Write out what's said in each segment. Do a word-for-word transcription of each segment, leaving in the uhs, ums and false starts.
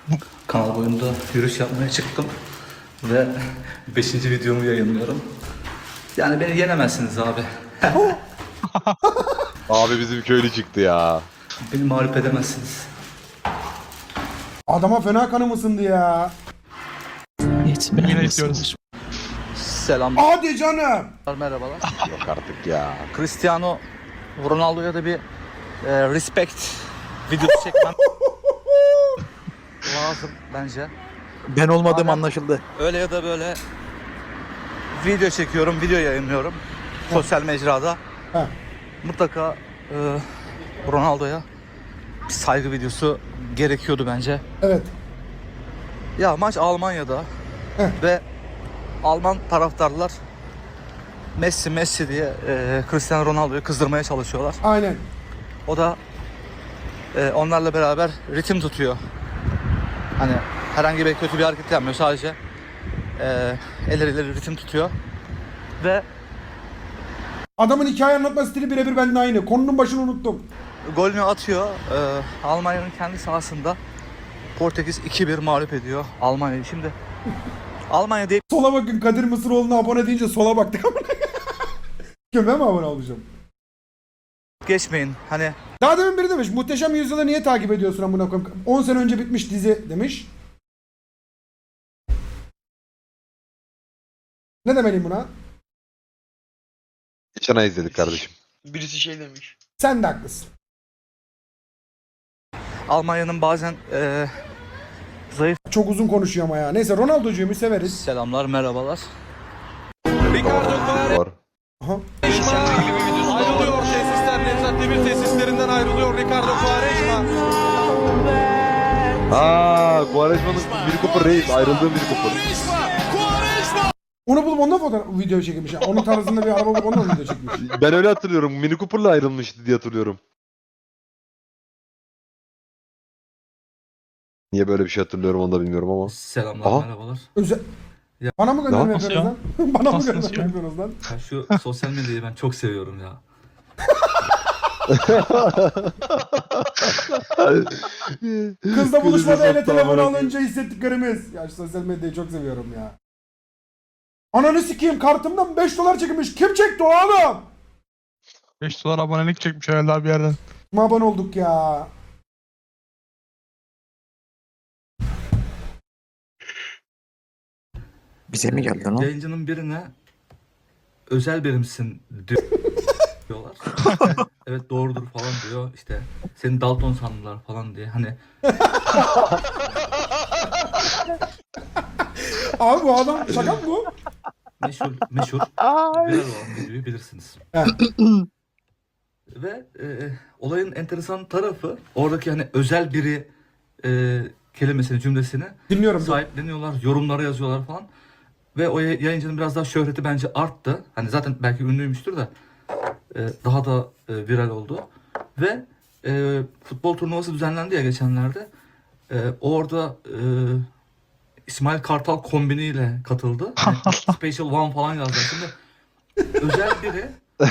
Kanal boyunda yürüyüş yapmaya çıktım ve beşinci videomu yayınlıyorum. Yani beni yenemezsiniz abi. Abi bizim köylü çıktı ya. Beni mağlup edemezsiniz. Adama fena kanım ısındı ya. Yine istiyoruz. Selamlar, Hadi canım. merhabalar. Yok artık ya. Cristiano Ronaldo'ya da bir e, respect videosu çekmem lazım bence. Ben olmadığım Aynen. anlaşıldı. Öyle ya da böyle video çekiyorum, video yayınlıyorum sosyal mecrada. Heh. Mutlaka e, Ronaldo'ya bir saygı videosu gerekiyordu bence. Evet. Ya maç Almanya'da Heh. ve Alman taraftarlar Messi Messi diye e, Cristiano Ronaldo'yu kızdırmaya çalışıyorlar. Aynen. O da e, onlarla beraber ritim tutuyor. Hani herhangi bir kötü bir hareket yapmıyor, sadece e, elleriyle ritim tutuyor. Ve Adamın hikaye anlatma stili birebir benden aynı. Konunun başını unuttum. golünü atıyor. E, Almanya'nın kendi sahasında Portekiz iki bir mağlup ediyor Almanya'yı. Şimdi Almanya deyip Sola bakın, Kadir Mısıroğlu'na abone deyince sola baktık. Kim, ben mi abone olacağım? geçmeyin. Hani Daha demin biri demiş, Muhteşem Yüzyıl'ı niye takip ediyorsun amına koyayım? on sene önce bitmiş dizi demiş. Ne demeliyim buna? Geçen ay izledik kardeşim. Birisi şey demiş. Sen de haklısın. Almanya'nın bazen e, zayıf. Çok uzun konuşuyor ama ya. Neyse, Ronaldo'cuğumu severiz. Selamlar, merhabalar. Var. Aha. Ayrılıyor tesisler. Nevzat Demir tesislerinden ayrılıyor Ricardo Quaresma. Aa, Quaresma'nın bir kupur reis. Ayrıldığım bir kupur. Onu bulup ondan fotoğraf video çekmiş. ya. Onun tarzında bir araba bulup ondan video çekmiş. Ben öyle hatırlıyorum. Mini Cooper'la ayrılmıştı diye hatırlıyorum. Niye böyle bir şey hatırlıyorum onu da bilmiyorum ama. Selamlar, Aha. merhabalar. Özel... Ya- Bana mı gönderme Nasıl yapıyorsunuz lan? Bana mı Nasıl gönderme ya? yapıyorsunuz lan? Ya şu sosyal medyayı ben çok seviyorum ya. Kızla buluşmada Kızı ele sattı telefonu amına alınca hissettiklerimiz. Ya şu sosyal medyayı çok seviyorum ya. Ananı sikeyim, kartımdan beş dolar çekilmiş. Kim çekti o oğlum? beş dolar abonelik çekmiş herhalde abi bir yerden. Kim abone olduk ya? Bize mi geldi lan? Yayıncının birine özel birimsin diyorlar. Evet, doğrudur falan diyor. İşte seni Dalton sandılar falan diye. Hani Abi bu adam şaka mı bu? meşhur meşhur viral olan videoyu bilirsiniz. Evet. Ve e, olayın enteresan tarafı, oradaki hani özel biri e, kelimesini, cümlesini Dinliyorum. dur. sahipleniyorlar, yorumlara yazıyorlar falan. Ve o yay- yayıncının biraz daha şöhreti bence arttı. Hani zaten belki ünlüymüştür de e, daha da e, viral oldu. Ve e, futbol turnuvası düzenlendi ya geçenlerde. E, orada e, İsmail Kartal kombiniyle katıldı. Hani Special One falan yazdı. Şimdi özel biri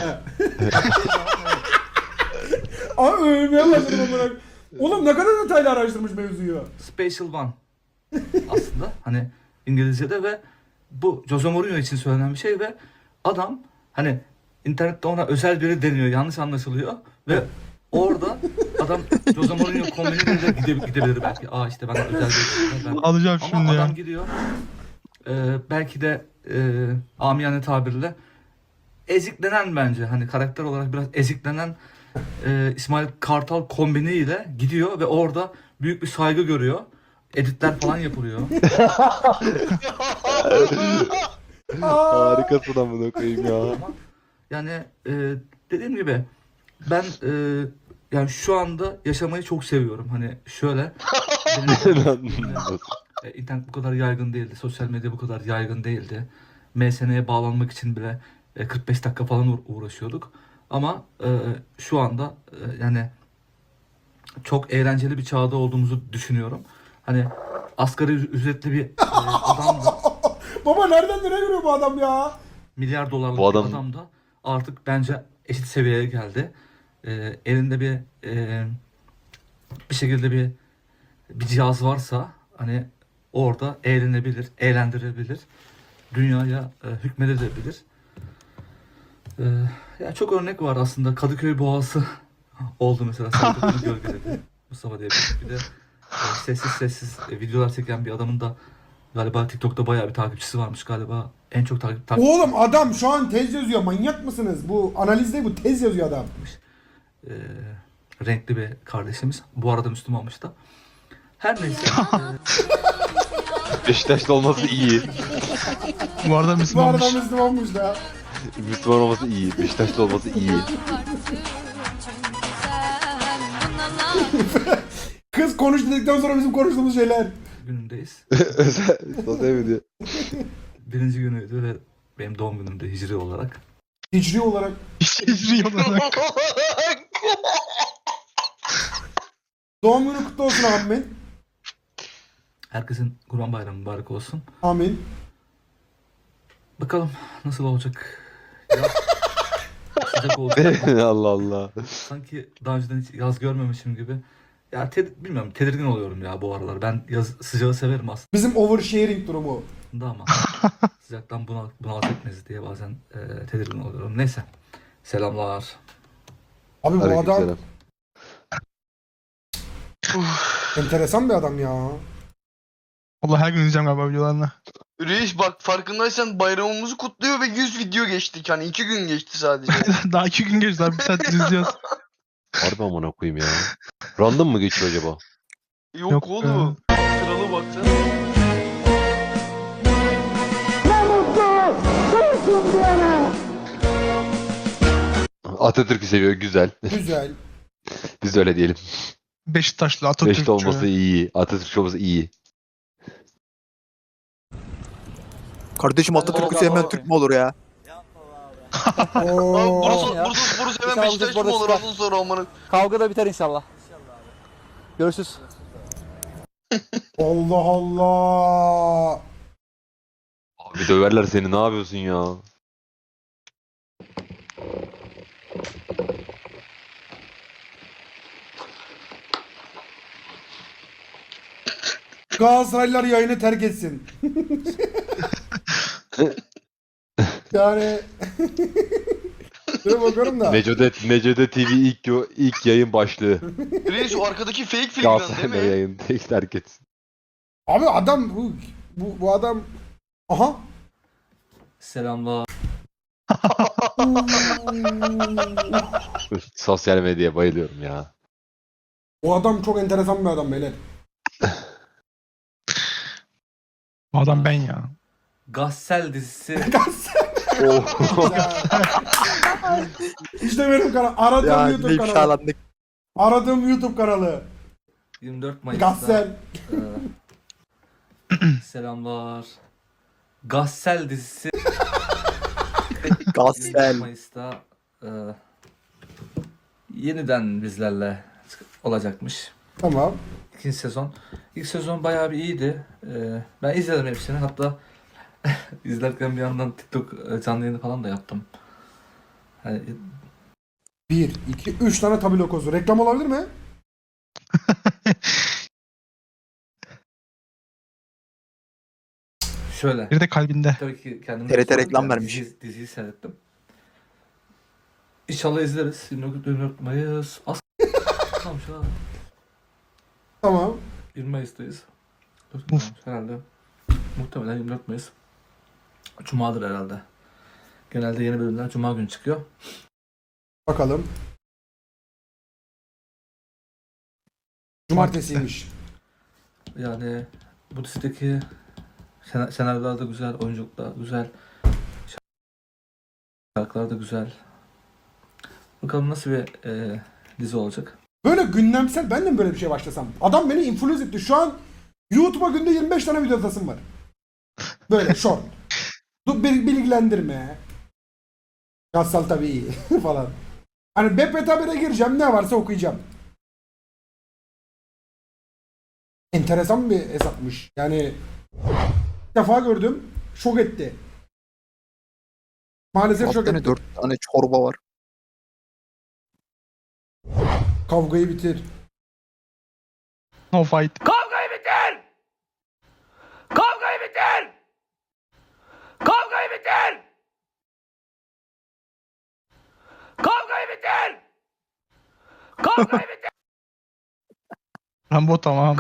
Aa, övmeye başladım amına. Oğlum ne kadar detaylı araştırmış mevzuyu. Special One aslında hani İngilizce'de ve bu Jose Mourinho için söylenen bir şey ve adam hani internette ona özel biri deniyor, yanlış anlaşılıyor ve orada adam Jose Mourinho kombiniyle de gide- gidebilir belki. Aa işte ben özel biri. Ben... Alacağım Ama şimdi adam ya. gidiyor e, belki de e, amiyane tabirle eziklenen, bence hani karakter olarak biraz eziklenen e, İsmail Kartal kombiniyle gidiyor ve orada büyük bir saygı görüyor. Editler falan yapılıyor. Harikasın amına koyayım ya. Ama yani e, dediğim gibi ben e, yani şu anda yaşamayı çok seviyorum. Hani şöyle benim, e, internet bu kadar yaygın değildi. Sosyal medya bu kadar yaygın değildi. M S N'ye bağlanmak için bile e, kırk beş dakika falan uğra- uğraşıyorduk. Ama e, şu anda e, yani çok eğlenceli bir çağda olduğumuzu düşünüyorum. Hani asgari ü- ücretli bir e, adam da, Baba nereden nereye görüyor bu adam ya? milyar dolarlık Bu adam- bir adam da artık bence eşit seviyeye geldi. E, elinde bir e, bir şekilde bir bir cihaz varsa hani orada eğlenebilir, eğlendirebilir, dünyaya e, hükmedebilir. E, ya çok örnek var aslında. Kadıköy Boğası oldu mesela. Sarıklı'nın gölgeledi. Mustafa diye bir, bir de e, sessiz sessiz e, videolar çeken bir adamın da galiba TikTok'ta bayağı bir takipçisi varmış galiba. En çok takip takip Oğlum adam şu an tez yazıyor. Manyak mısınız? Bu analiz değil, bu tez yazıyor adam. e, renkli bir kardeşimiz. Bu arada Müslümanmış da. Her neyse. e, Beşiktaşlı olması iyi. Bu arada Bu Müslümanmış. arada Müslümanmış da. Müslüman olması iyi. Beşiktaşlı olması iyi. Kız konuş dedikten sonra bizim konuştuğumuz şeyler. günündeyiz. Özel. Sosyal medya. Birinci günüydü ve benim doğum günümde hicri olarak. Hicri olarak. Hicri olarak. Doğum günü kutlu olsun amin. Herkesin Kurban Bayramı mübarek olsun. Amin. Bakalım nasıl olacak. Yaz sıcak olacak. Allah Allah. Sanki daha önceden hiç yaz görmemişim gibi. Ya te- bilmiyorum, tedirgin oluyorum ya bu aralar. Ben yaz sıcağı severim Bizim oversharing durumu. aslında ama sıcaktan bunal bunalt etmeyiz diye bazen e, tedirgin oluyorum. Neyse. Selamlar. Abi bu adam Aleykümselam. enteresan bir adam ya. Allah her gün izleyeceğim galiba videolarını. Reis bak farkındaysan bayramımızı kutluyor ve yüz video geçtik. Hani iki gün geçti sadece. Daha iki gün geçti abi. Bir saattir izliyoruz. Harbi amına koyayım ya. Random mı geçiyor acaba? Yok, Yok oğlum. Kralı baksana. Atatürk'ü seviyor. Güzel. Güzel. Biz de öyle diyelim. Beşiktaşlı Atatürkçü. Beşiktaş olması iyi. Atatürk olması iyi. Kardeşim Atatürk'ü sevmeyen Türk mü olur ya? Abi Oo. Burası, burası, burası hemen İnşallah Beşiktaş burada mı olur çıkar. ondan sonra amanın. Kavga da biter inşallah. Görüşürüz. Allah Allah. Abi döverler seni. Ne yapıyorsun ya? Galatasaraylılar yayını terk etsin. Yani şöyle bakıyorum da. Necodet, Necodet T V ilk, yo- ilk yayın başlığı. Reis o arkadaki fake filmden değil Galatasaray'da mi? yayın. Tek terk etsin. Abi adam bu bu, bu adam aha. Selamlar. Sosyal medyaya bayılıyorum ya. Bu adam çok enteresan bir adam beyler. Bu adam ben ya. Gassel dizisi. İşte benim kanal. Aradığım Ya YouTube ne kanalı. ifşalandık. Aradığım YouTube kanalı. yirmi dört Mayıs'ta. Gassel. e, selamlar. Gassel dizisi yirmi dört Gassel. Mayıs'ta e, yeniden bizlerle olacakmış. Tamam. İkinci sezon. İlk sezon bayağı bir iyiydi. E, ben izledim hepsini. Hatta izlerken bir yandan TikTok e, canlı yayını falan da yaptım. Hani, Bir, iki, üç tane tabi lokosu. Reklam olabilir mi? şöyle. Bir de kalbinde. Tabii ki kendimi T R T tutmadım reklam yani vermiş. Dizi, diziyi seyrettim. İnşallah izleriz. yirmi dört Mayıs. As tamam şu an Tamam. yirmi Mayıs'tayız. Dur, Uf. herhalde. Muhtemelen yirmi dört Mayıs. Cuma'dır herhalde. Genelde yeni bölümler Cuma günü çıkıyor. Bakalım. Cumartesiymiş. Yani bu dizideki sen senaryolar da güzel, oyunculuk da güzel. Şarkılar da güzel. Bakalım nasıl bir e, dizi olacak. Böyle gündemsel ben de mi böyle bir şey başlasam? Adam beni influence etti. Şu an YouTube'a günde yirmi beş tane video atasım var. Böyle short. Dur bir bilgilendirme. Gassal tabii iyi falan. Hani B P T Haber'e gireceğim, ne varsa okuyacağım. Enteresan bir hesapmış. Yani ilk defa gördüm. Şok etti. Maalesef şok Dört etti. dört tane çorba var. Kavgayı bitir. No fight. Rambo tamam.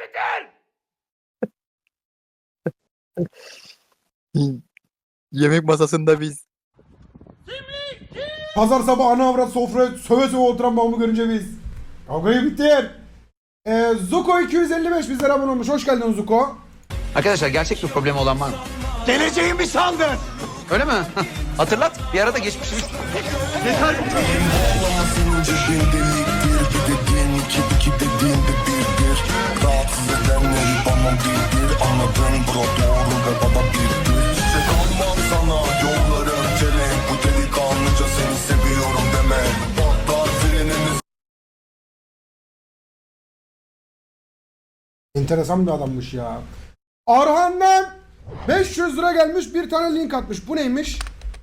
Yemek masasında biz. Pazar sabahı ana avrat sofraya söve söve oturan babamı görünce biz. Kavgayı bitir. Ee, Zuko iki yüz elli beş bizlere abone olmuş. Hoş geldin Zuko. Arkadaşlar gerçek bir problemi olan var mı? Geleceğimi sandın. Öyle mi? Hatırlat. Bir arada geçmişimiz. Enteresan bir adammış ya. Arhan'dan beş yüz lira gelmiş, bir tane link atmış. Bu neymiş?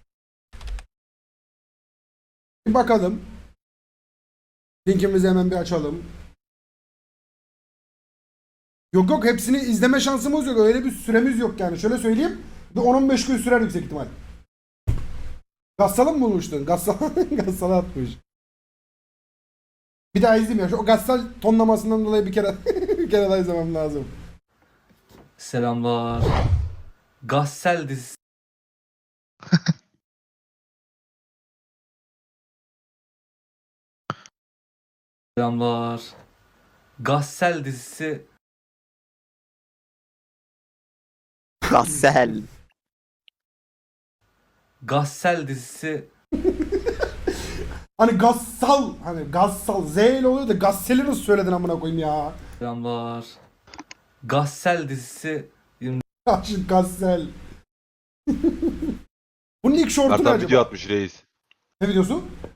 Bir bakalım. Linkimizi hemen bir açalım. Yok yok, hepsini izleme şansımız yok. Öyle bir süremiz yok yani. Şöyle söyleyeyim. Bir on on beş gün sürer yüksek ihtimal. Gassal'ı mı bulmuştun? Gassal, Gassal'ı atmış. Bir daha izleyeyim ya. Şu o Gassal tonlamasından dolayı bir kere bir kere daha izlemem lazım. Selamlar. Gassel dizisi. Selamlar. Gassel dizisi Gassel. Gassel dizisi Hani Gassal, hani Gassal Z ile oluyor da Gassel'i nasıl söyledin amına koyayım ya? Selamlar. Gassel dizisi Aşık Gassel. Bunun ilk şortu ne Kartal acaba? video atmış reis. Ne videosu?